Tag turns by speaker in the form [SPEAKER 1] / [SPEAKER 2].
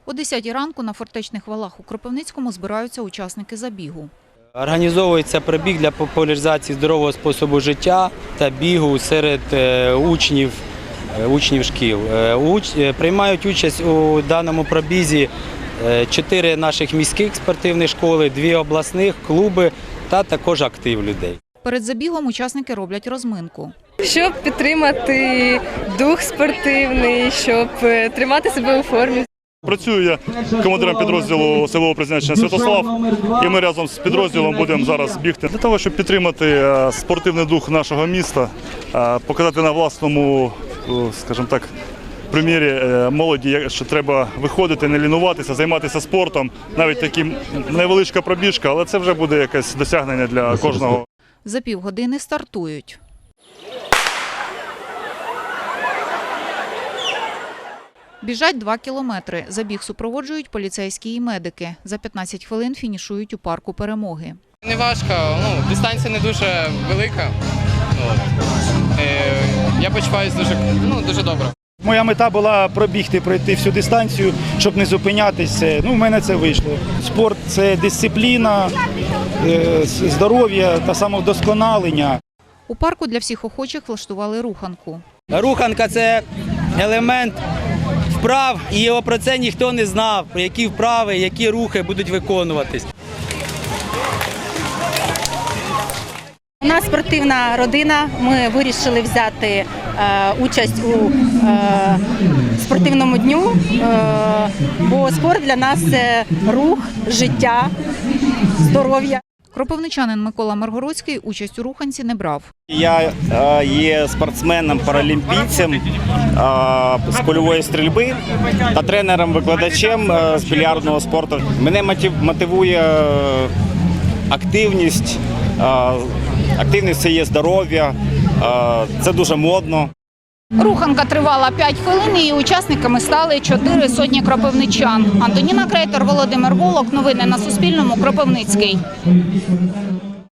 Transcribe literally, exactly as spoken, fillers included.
[SPEAKER 1] О десятій ранку на фортечних валах у Кропивницькому збираються учасники забігу.
[SPEAKER 2] Організовується пробіг для популяризації здорового способу життя та бігу серед учнів, учнів шкіл. Приймають участь у даному пробізі чотири наших міських спортивних школи, дві обласних, клуби та також актив людей.
[SPEAKER 1] Перед забігом учасники роблять розминку.
[SPEAKER 3] Щоб підтримати дух спортивний, щоб тримати себе у формі.
[SPEAKER 4] Працюю я командиром підрозділу силового призначення «Святослав», і ми разом з підрозділом будемо зараз бігти для того, щоб підтримати спортивний дух нашого міста, показати на власному, скажімо так, примірі молоді, що треба виходити, не лінуватися, займатися спортом. Навіть така невеличка пробіжка, але це вже буде якесь досягнення для кожного.
[SPEAKER 1] За півгодини стартують. Біжать два кілометри. Забіг супроводжують поліцейські і медики. За п'ятнадцять хвилин фінішують у парку Перемоги.
[SPEAKER 5] Не важко, ну, дистанція не дуже велика. От. Е, я почуваюся дуже, ну, дуже добре.
[SPEAKER 6] Моя мета була пробігти, пройти всю дистанцію, щоб не зупинятися. Ну, в мене це вийшло. Спорт – це дисципліна, здоров'я та самовдосконалення.
[SPEAKER 1] У парку для всіх охочих влаштували руханку.
[SPEAKER 2] Руханка – це елемент вправ, і про це ніхто не знав, про які вправи, які рухи будуть виконуватись.
[SPEAKER 7] У нас спортивна родина, ми вирішили взяти е, участь у е, спортивному дню, е, бо спорт для нас – це рух, життя, здоров'я.
[SPEAKER 1] Кропивничанин Микола Маргородський участь у руханці не брав.
[SPEAKER 8] Я е, є спортсменом-паралімпійцем е, з кульової стрільби та тренером-викладачем е, з більярдного спорту. Мене мотивує активність, е, активність – це є здоров'я, е, це дуже модно.
[SPEAKER 1] Руханка тривала п'ять хвилин і учасниками стали чотири сотні кропивничан. Антоніна Крейтор, Володимир Волок. Новини на Суспільному. Кропивницький.